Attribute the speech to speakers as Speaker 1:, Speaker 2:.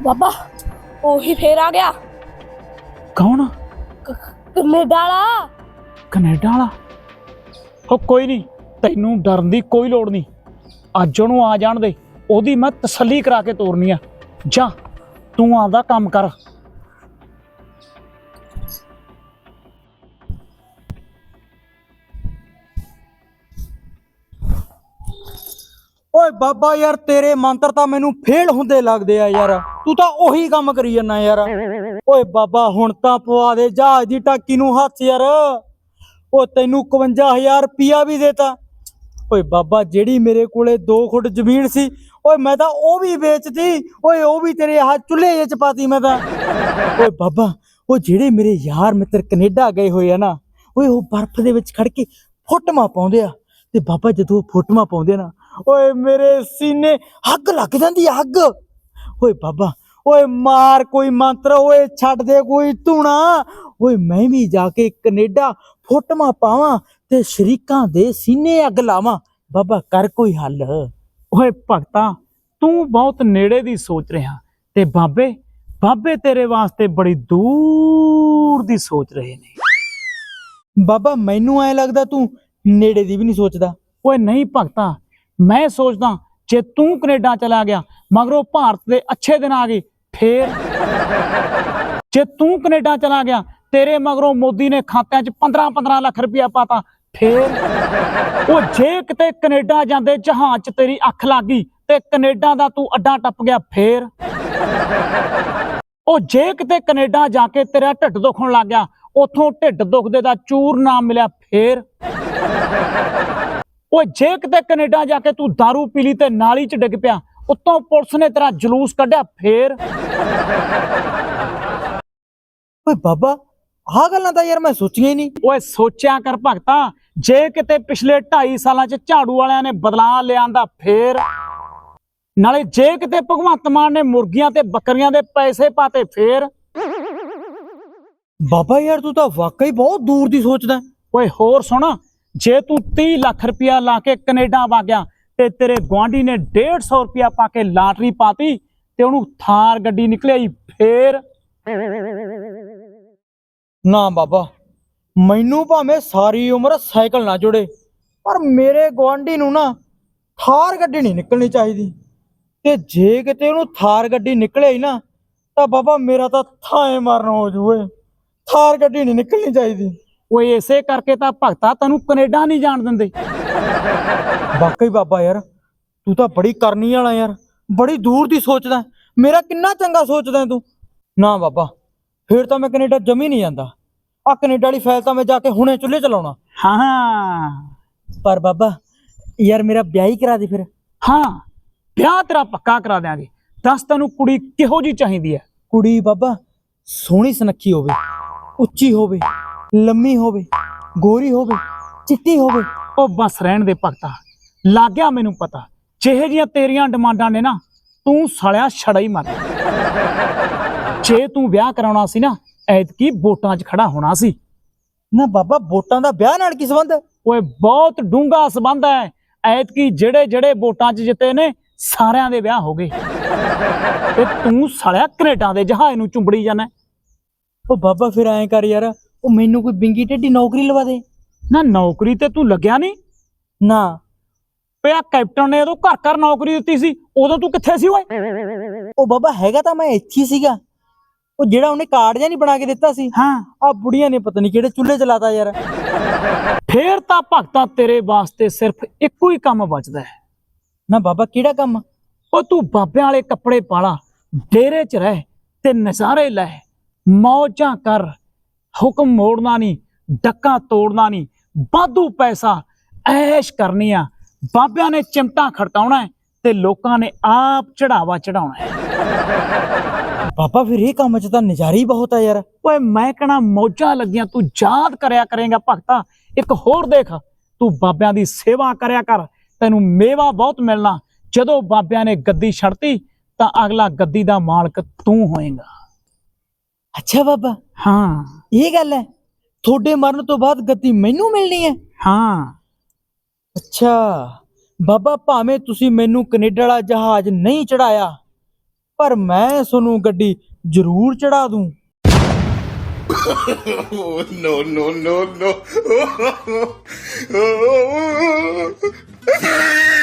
Speaker 1: ਬਾਬਾ ਉਹੀ ਫੇਰ ਆ ਗਿਆ।
Speaker 2: ਕੌਣ?
Speaker 1: ਕੈਨੇਡਾ ਵਾਲਾ।
Speaker 2: ਕੈਨੇਡਾ ਵਾਲਾ? ਉਹ ਕੋਈ ਨਹੀਂ, ਤੈਨੂੰ ਡਰਨ ਦੀ ਕੋਈ ਲੋੜ ਨਹੀਂ। ਅੱਜ ਉਹਨੂੰ ਆ ਜਾਣ ਦੇ, ਉਹਦੀ ਮੈਂ ਤਸੱਲੀ ਕਰਾ ਕੇ ਤੋਰਨੀ ਆ। ਜਾ ਤੂੰ ਆਪਦਾ ਕੰਮ ਕਰ।
Speaker 3: ਓਏ ਬਾਬਾ ਯਾਰ ਤੇਰੇ ਮੰਤਰ ਤਾਂ ਮੈਨੂੰ ਫੇਲ ਹੁੰਦੇ ਲੱਗਦੇ ਆ ਯਾਰ। ਤੂੰ ਤਾਂ ਉਹੀ ਕੰਮ ਕਰੀ ਜਾਂਦਾ ਯਾਰ। ਓਏ ਬਾਬਾ ਹੁਣ ਤਾਂ ਪਵਾ ਦੇ ਜਹਾਜ਼ ਦੀ ਟਾਕੀ ਨੂੰ ਹੱਥ ਯਾਰ। ਓ ਤੈਨੂੰ 51,000 ਰੁਪਿਆ ਵੀ ਦੇਤਾ। ਓਏ ਬਾਬਾ ਜਿਹੜੀ ਮੇਰੇ ਕੋਲੇ 2 ਫੁੱਟ ਜ਼ਮੀਨ ਸੀ, ਓਏ ਮੈਂ ਤਾਂ ਉਹ ਵੀ ਵੇਚਤੀ। ਓਏ ਉਹ ਵੀ ਤੇਰੇ ਆਹ ਚੁੱਲ੍ਹੇ 'ਚ ਪਾਤੀ ਮੈਂ ਤਾਂ। ਓਏ ਬਾਬਾ ਉਹ ਜਿਹੜੇ ਮੇਰੇ ਯਾਰ ਮਿੱਤਰ ਕੈਨੇਡਾ ਗਏ ਹੋਏ ਆ ਨਾ, ਓਏ ਉਹ ਬਰਫ਼ ਦੇ ਵਿੱਚ ਖੜ ਕੇ ਫੋਟੋਆਂ ਪਾਉਂਦੇ ਆ। ਤੇ ਬਾਬਾ ਜਦੋਂ ਉਹ ਫੋਟੋਆਂ ਪਾਉਂਦੇ ਨਾ, ਓਏ ਮੇਰੇ ਸੀਨੇ ਅੱਗ ਲੱਗ ਜਾਂਦੀ ਆ, ਅੱਗ। ਓਏ ਬਾਬਾ ਓਏ ਮਾਰ ਕੋਈ ਮੰਤਰ, ਓਏ ਛੱਡ ਦੇ ਕੋਈ ਧੂਣਾ। ਓਏ ਮੈਂ ਵੀ ਜਾ ਕੇ ਕੈਨੇਡਾ ਫੋਟੋਆਂ ਪਾਵਾਂ ਤੇ ਸ਼ਰੀਕਾਂ ਦੇ ਸੀਨੇ ਅੱਗ ਲਾਵਾਂ। ਬਾਬਾ ਕਰ ਕੋਈ ਹੱਲ।
Speaker 2: ਓਏ ਭਗਤਾ, ਤੂੰ ਬਹੁਤ ਨੇੜੇ ਦੀ ਸੋਚ ਰਿਹਾ ਤੇ ਬਾਬੇ ਤੇਰੇ ਵਾਸਤੇ ਬੜੀ ਦੂਰ ਦੀ ਸੋਚ ਰਹੇ ਨੇ।
Speaker 3: ਬਾਬਾ ਮੈਨੂੰ ਐ ਲੱਗਦਾ ਤੂੰ ਨੇੜੇ ਦੀ ਵੀ ਨਹੀਂ ਸੋਚਦਾ।
Speaker 2: ਓਏ ਨਹੀਂ ਭਗਤਾ, ਮੈਂ ਸੋਚਦਾ ਜੇ ਤੂੰ ਕੈਨੇਡਾ ਚਲਾ ਗਿਆ, ਮਗਰੋਂ ਭਾਰਤ ਦੇ ਅੱਛੇ ਦਿਨ ਆ ਗਏ ਫੇਰ। ਜੇ ਤੂੰ ਕੈਨੇਡਾ ਚਲਾ ਗਿਆ, ਤੇਰੇ ਮਗਰੋਂ ਮੋਦੀ ਨੇ ਖਾਤਿਆਂ 'ਚ 15 ਲੱਖ ਰੁਪਇਆ ਪਾਤਾ ਫੇਰ। ਉਹ ਜੇ ਕਿਤੇ ਕੈਨੇਡਾ ਜਾਂਦੇ ਜਹਾਜ਼ 'ਚ ਤੇਰੀ ਅੱਖ ਲੱਗ ਗਈ ਤੇ ਕੈਨੇਡਾ ਦਾ ਤੂੰ ਅੱਡਾ ਟੱਪ ਗਿਆ ਫੇਰ। ਉਹ ਜੇ ਕਿਤੇ ਕੈਨੇਡਾ ਜਾ ਕੇ ਤੇਰਾ ਢਿੱਡ ਦੁਖਣ ਲੱਗ ਗਿਆ, ਉਥੋਂ ਢਿੱਡ ਦੁਖਦੇ ਦਾ ਚੂਰ ਨਾ ਮਿਲਿਆ ਫੇਰ। ਓਏ ਜੇ ਕਿਤੇ ਕੈਨੇਡਾ ਜਾ ਕੇ ਤੂੰ ਦਾਰੂ ਪੀ ਲਈ ਤੇ ਨਾਲੀ 'ਚ ਡਿੱਗ ਪਿਆ, ਉੱਤੋਂ ਪੁਲਿਸ ਨੇ ਤੇਰਾ ਜਲੂਸ ਕੱਢਿਆ ਫੇਰ।
Speaker 3: ਓਏ ਬਾਬਾ ਆਹ ਗੱਲਾਂ ਤਾਂ ਯਾਰ ਮੈਂ ਸੋਚੀਆਂ ਹੀ ਨਹੀਂ।
Speaker 2: ਓਏ ਸੋਚਿਆ ਕਰ ਭਗਤਾ, ਜੇ ਕਿਤੇ ਪਿਛਲੇ 2.5 ਸਾਲਾਂ 'ਚ ਝਾੜੂ ਵਾਲਿਆਂ ਨੇ ਬਦਲਾਅ ਲਿਆਂਦਾ ਫੇਰ। ਨਾਲੇ ਜੇ ਕਿਤੇ ਭਗਵੰਤ ਮਾਨ ਨੇ ਮੁਰਗੀਆਂ ਤੇ ਬੱਕਰੀਆਂ ਦੇ ਪੈਸੇ ਪਾਤੇ ਫੇਰ।
Speaker 3: ਬਾਬਾ ਯਾਰ ਤੂੰ ਤਾਂ ਵਾਕਈ ਬਹੁਤ ਦੂਰ ਦੀ ਸੋਚਦਾ।
Speaker 2: ਓਏ ਹੋਰ ਸੁਣ, ਜੇ ਤੂੰ 30 ਲੱਖ ਰੁਪਇਆ ਲਾ ਕੇ ਕੈਨੇਡਾ ਵਗ ਗਿਆ ਤੇ ਤੇਰੇ ਗੁਆਂਢੀ ਨੇ 150 ਰੁਪਇਆ ਪਾ ਕੇ ਲਾਟਰੀ ਪਾਤੀ ਤੇ ਉਹਨੂੰ ਥਾਰ ਗੱਡੀ ਨਿਕਲਿਆਈ ਫੇਰ।
Speaker 3: ਨਾ ਬਾਬਾ, ਮੈਨੂੰ ਭਾਵੇਂ ਸਾਰੀ ਉਮਰ ਸਾਈਕਲ ਨਾ ਜੁੜੇ, ਪਰ ਮੇਰੇ ਗੁਆਂਢੀ ਨੂੰ ਨਾ ਥਾਰ ਗੱਡੀ ਨਹੀਂ ਨਿਕਲਣੀ ਚਾਹੀਦੀ। ਤੇ ਜੇ ਕਿਤੇ ਉਹਨੂੰ ਥਾਰ ਗੱਡੀ ਨਿਕਲੇ ਹੀ ਨਾ, ਤਾਂ ਬਾਬਾ ਮੇਰਾ ਤਾਂ ਥਾਂ ਮਰਨ ਹੋ ਜੂਏ। ਥਾਰ ਗੱਡੀ ਨਹੀਂ ਨਿਕਲਣੀ ਚਾਹੀਦੀ।
Speaker 2: ਓਏ ਇਸੇ ਕਰਕੇ ਤਾਂ ਭਗਤਾ ਤੈਨੂੰ ਕੈਨੇਡਾ ਨਹੀਂ ਜਾਣ ਦਿੰਦੇ।
Speaker 3: ਵਾਕਈ ਬਾਬਾ ਯਾਰ ਤੂੰ ਤਾਂ ਬੜੀ ਕਰਨੀ ਵਾਲਾ ਯਾਰ, ਬੜੀ ਦੂਰ ਦੀ ਸੋਚਦਾ। ਮੇਰਾ ਕਿੰਨਾ ਚੰਗਾ ਸੋਚਦਾ ਤੂੰ। ਨਾ ਬਾਬਾ ਫਿਰ ਤਾਂ ਮੈਂ ਕੈਨੇਡਾ ਜਮੀ ਨਹੀਂ ਜਾਂਦਾ। ਆ ਕੈਨੇਡਾ ਵਾਲੀ ਫਾਈਲ ਤਾਂ ਮੈਂ ਜਾ ਕੇ ਹੁਣੇ ਚੁੱਲ੍ਹੇ ਚਲਾਉਣਾ।
Speaker 2: ਹਾਂ
Speaker 3: ਪਰ ਬਾਬਾ ਯਾਰ ਮੇਰਾ ਵਿਆਹ ਹੀ ਕਰਾ ਦੇ ਫਿਰ।
Speaker 2: ਹਾਂ, ਵਿਆਹ ਤੇਰਾ ਪੱਕਾ ਕਰਾ ਦਿਆਂਗੇ। ਦੱਸ ਤੈਨੂੰ ਕੁੜੀ ਕਿਹੋ ਜੀ ਚਾਹੀਦੀ ਹੈ?
Speaker 3: ਕੁੜੀ ਬਾਬਾ ਸੋਹਣੀ ਸੁਨੱਖੀ ਹੋਵੇ, ਉੱਚੀ ਹੋਵੇ, ਲੰਮੀ ਹੋਵੇ, ਗੋਰੀ ਹੋਵੇ, ਚਿੱਟੀ ਹੋਵੇ।
Speaker 2: ਉਹ ਬਸ ਰਹਿਣ ਦੇ ਭਗਤਾ, ਲੱਗ ਗਿਆ ਮੈਨੂੰ ਪਤਾ। ਜਿਹੇ ਜੀਆਂ ਤੇਰੀਆਂ ਡਿਮਾਂਡਾਂ ਨੇ ਨਾ, ਤੂੰ ਸਾਲਿਆ ਛੜਾ ਹੀ ਮਰ। ਜੇ ਤੂੰ ਵਿਆਹ ਕਰਾਉਣਾ ਸੀ ਨਾ, ਐਤਕੀ ਵੋਟਾਂ 'ਚ ਖੜਾ ਹੋਣਾ ਸੀ।
Speaker 3: ਨਾ ਬਾਬਾ ਵੋਟਾਂ ਦਾ ਵਿਆਹ ਨਾਲ ਕੀ ਸੰਬੰਧ?
Speaker 2: ਓਏ ਬਹੁਤ ਡੂੰਘਾ ਸੰਬੰਧ ਹੈ। ਐਤਕੀ ਜਿਹੜੇ ਵੋਟਾਂ 'ਚ ਜਿੱਤੇ ਨੇ ਸਾਰਿਆਂ ਦੇ ਵਿਆਹ ਹੋ ਗਏ ਤੇ ਤੂੰ ਸਾਲਿਆ ਕੈਨੇਡਾ ਦੇ ਜਹਾਜ਼ ਨੂੰ ਚੁੰਬੜੀ ਜਾਣਾ।
Speaker 3: ਉਹ ਬਾਬਾ ਫਿਰ ਐਂ ਕਰ ਯਾਰ, ਉਹ ਮੈਨੂੰ ਕੋਈ ਬਿੰਗੀ ਢੇਡੀ ਨੌਕਰੀ ਲਵਾ ਦੇ
Speaker 2: ਨਾ। ਨੌਕਰੀ ਤੇ ਤੂੰ ਲੱਗਿਆ ਨਹੀਂ
Speaker 3: ਨਾ।
Speaker 2: ਪਿਆ ਕੈਪਟਨ ਨੇ ਉਦੋਂ ਘਰ ਨੌਕਰੀ ਦਿੱਤੀ ਸੀ, ਉਦੋਂ ਤੂੰ ਕਿੱਥੇ ਸੀ ਓਏ?
Speaker 3: ਉਹ ਬਾਬਾ ਹੈਗਾ ਤਾਂ ਮੈਂ ਇੱਥੇ ਹੀ ਸੀਗਾ। ਉਹ ਜਿਹੜਾ ਉਹਨੇ ਕਾਰਡ ਜਿਹਾ ਨਹੀਂ ਬਣਾ ਕੇ ਦਿੱਤਾ ਸੀ,
Speaker 2: ਹਾਂ,
Speaker 3: ਆ ਬੁੜੀਆਂ ਨੇ ਪਤਾ ਨਹੀਂ ਕਿਹੜੇ ਚੁੱਲ੍ਹੇ ਚਲਾਤਾ ਯਾਰ।
Speaker 2: ਫੇਰ ਤਾਂ ਭਗਤਾ ਤੇਰੇ ਵਾਸਤੇ ਸਿਰਫ ਇੱਕੋ ਹੀ ਕੰਮ ਬਚਦਾ ਹੈ।
Speaker 3: ਨਾ ਬਾਬਾ ਕਿਹੜਾ ਕੰਮ?
Speaker 2: ਉਹ ਤੂੰ ਬਾਬਿਆਂ ਵਾਲੇ ਕੱਪੜੇ ਪਾਲਾ, ਡੇਰੇ 'ਚ ਰਹਿ ਤੇ ਨਜ਼ਾਰੇ ਲੈ, ਮੌਜਾਂ ਕਰ। ਹੁਕਮ ਮੋੜਨਾ ਨਹੀਂ, ਡੱਕਾ ਤੋੜਨਾ ਨਹੀਂ, ਵਾਧੂ ਪੈਸਾ ਐਸ਼ ਕਰਨੀ ਆ। ਬਾਬਿਆਂ ਨੇ ਚਿਮਟਾ ਖੜਕਾਉਣਾ ਤੇ ਲੋਕਾਂ ਨੇ ਆਪ ਚੜਾਵਾ ਚੜਾਉਣਾ ਹੈ।
Speaker 3: ਬਾਬਾ ਫਿਰ ਇਹ ਕੰਮ 'ਚ ਤਾਂ ਨਜ਼ਾਰੇ ਹੀ ਬਹੁਤ ਆ ਯਾਰ।
Speaker 2: ਓਏ ਮੈਂ ਕਹਣਾ ਮੌਜਾਂ ਲੱਗੀਆਂ, ਤੂੰ ਯਾਦ ਕਰਿਆ ਕਰੇਗਾ ਭਗਤਾ। ਇੱਕ ਹੋਰ ਦੇਖ, ਤੂੰ ਬਾਬਿਆਂ ਦੀ ਸੇਵਾ ਕਰਿਆ ਕਰ, ਤੈਨੂੰ ਮੇਵਾ ਬਹੁਤ ਮਿਲਣਾ। ਜਦੋਂ ਬਾਬਿਆਂ ਨੇ ਗੱਦੀ ਛੱਡਤੀ ਤਾਂ ਅਗਲਾ ਗੱਦੀ ਦਾ ਮਾਲਕ ਤੂੰ ਹੋਏਗਾ।
Speaker 3: ਅੱਛਾ ਬਾਬਾ,
Speaker 2: ਹਾਂ
Speaker 3: ਇਹ ਗੱਲ ਹੈ। ਤੁਹਾਡੇ ਮਰਨ ਤੋਂ ਬਾਅਦ ਗੱਦੀ ਮੈਨੂੰ ਮਿਲਣੀ ਹੈ?
Speaker 2: ਹਾਂ।
Speaker 3: ਅੱਛਾ ਬਾਬਾ, ਭਾਵੇਂ ਤੁਸੀਂ ਮੈਨੂੰ ਕੈਨੇਡਾ ਵਾਲਾ ਜਹਾਜ਼ ਨਹੀਂ ਚੜਾਇਆ, ਪਰ ਮੈਂ ਤੁਹਾਨੂੰ ਗੱਡੀ ਜ਼ਰੂਰ ਚੜਾ ਦੂੰ।
Speaker 4: Oh, no, no, no, no.